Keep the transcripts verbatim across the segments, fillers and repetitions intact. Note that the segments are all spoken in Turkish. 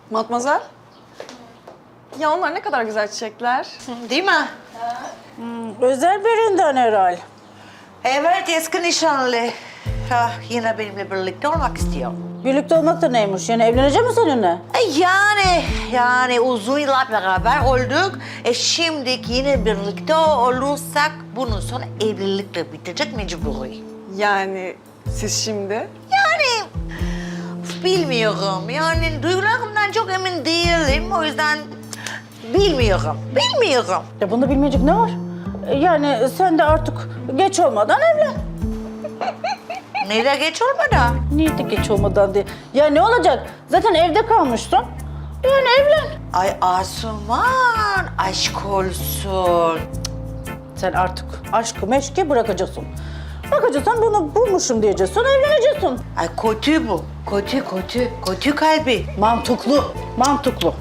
Matmazel. Ya onlar ne kadar güzel çiçekler. Değil mi? Hmm, özel birinden herhal. Evet, eski nişanlı. Ha, yine benimle birlikte olmak istiyor. Birlikte olmak da neymiş? Yani evlenecek mi seninle? E yani, yani uzun yıllar beraber olduk. E şimdi yine birlikte olursak bunun sonra evlilikle bitecek mecburi. Yani siz şimdi... Yani bilmiyorum. Yani duygularımdan çok emin değilim. O yüzden bilmiyorum. Bilmiyorum. Ya bunda bilmeyecek ne var? E, Yani sen de artık geç olmadan evlen. Neyle geç olmadan? Niye de geç olmadan diye? Ya ne olacak? Zaten evde kalmıştın. Yani evlen. Ay Asuman, aşk olsun. Sen artık aşkı meşki bırakacaksın. Bakacaksın bunu bulmuşum diyeceksin, evleneceksin. Ay kötü bu. Kötü, kötü. Kötü kalbi. Mantıklı, mantıklı.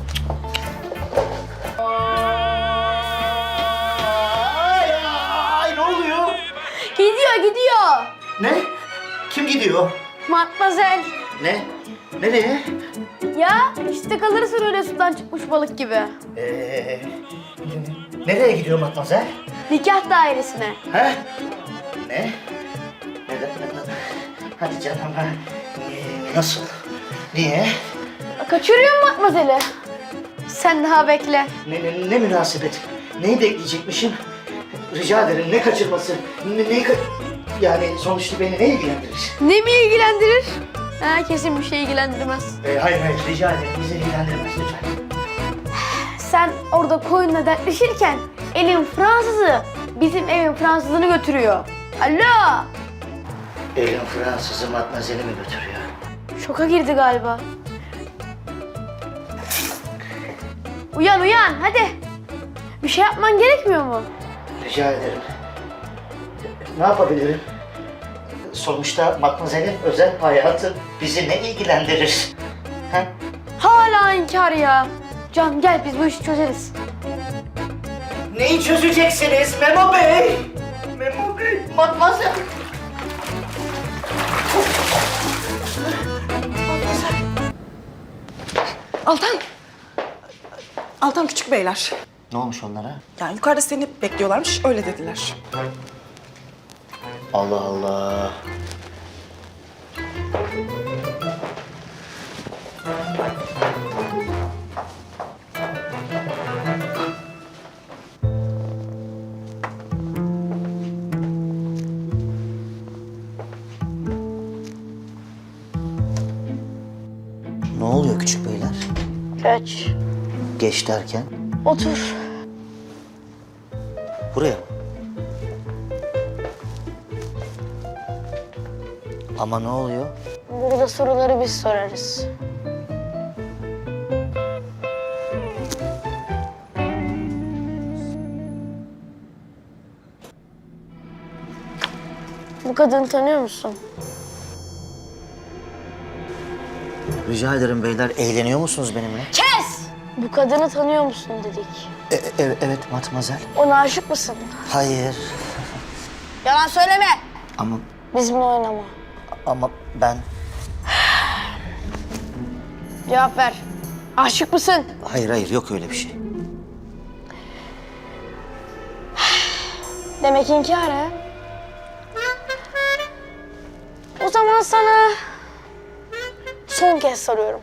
Ay, ay ne oluyor? Gidiyor, gidiyor. Ne? Kim gidiyor? Matmazel. Ne? Nereye? Ya işte kalırsın öyle sudan çıkmış balık gibi. Ee, nereye gidiyor Matmazel? Nikah dairesine. He? Ne? Neden? Neden? Hadi canım ha. Ee, nasıl? Niye? Kaçırıyorum Matmazel'i. Sen daha bekle. Ne, ne, ne münasebet? Neyi bekleyecekmişim? Rica ederim ne kaçırması? Ne, neyi ka- yani sonuçta beni ne ilgilendirir? Ne mi ilgilendirir? Ha, kesin bir şey ilgilendirmez. Ee, hayır hayır rica ederim bizi ilgilendirmez lütfen. Sen orada koyunla dertleşirken elin Fransızı bizim evin Fransızını götürüyor. Alo! Elin Fransız'ı Matmazel'i mi götürüyor? Şoka girdi galiba. Uyan uyan hadi. Bir şey yapman gerekmiyor mu? Rica ederim. Ne yapabilirim? Sonuçta Matmazel'in özel hayatı bizi ne ilgilendirir? Ha? Hala inkar ya. Can gel biz bu işi çözeriz. Neyi çözeceksiniz Memo Bey? Memo Bey, Matmazel. Altan. Altan küçük beyler. Ne olmuş onlara? Yani yukarıda seni bekliyorlarmış, öyle dediler. Allah Allah. Ne oluyor küçük beyler? Geç. Geç derken? Otur. Buraya mı? Ama ne oluyor? Burada soruları biz sorarız. Bu kadını tanıyor musun? Rica ederim beyler, eğleniyor musunuz benimle? Kes! Bu kadını tanıyor musun dedik. E, e- evet Matmazel. Ona aşık mısın? Hayır. Yalan söyleme. Ama Bizimle oynama. ama ben Cevap ver. Aşık mısın? hayır hayır yok öyle bir şey. Demek inkar ha? O zaman sana son kez soruyorum.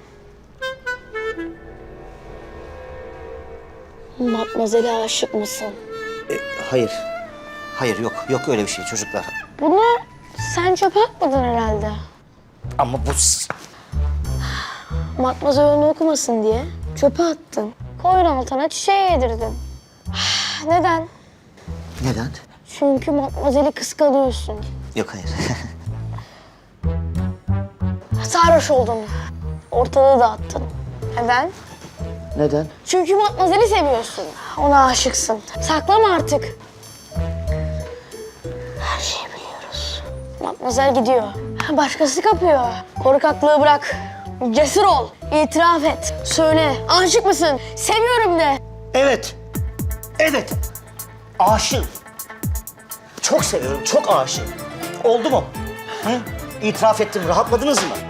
Matmazel'e aşık mısın? E, hayır. Hayır yok yok öyle bir şey çocuklar. Bunu sen çöpe atmadın herhalde. Ama bu s- Matmazel onu okumasın diye çöpe attın. Koyun altına çiçeği yedirdin. Neden? neden? Çünkü Matmazel'i kıskanıyorsun. Yok hayır. Sarhoş oldun. Ortalığı dağıttın. Neden? neden? Çünkü Matmazel'i seviyorsun. Ona aşıksın. Saklama artık. Her şeyi biliyoruz. Matmazel gidiyor. Başkası kapıyor. Korkaklığı bırak. Cesur ol. İtiraf et. Söyle. Aşık mısın? Seviyorum de. Evet. Evet. Aşığım. Çok seviyorum, çok aşığım. Oldu mu? Hı? İtiraf ettim, rahatladınız mı?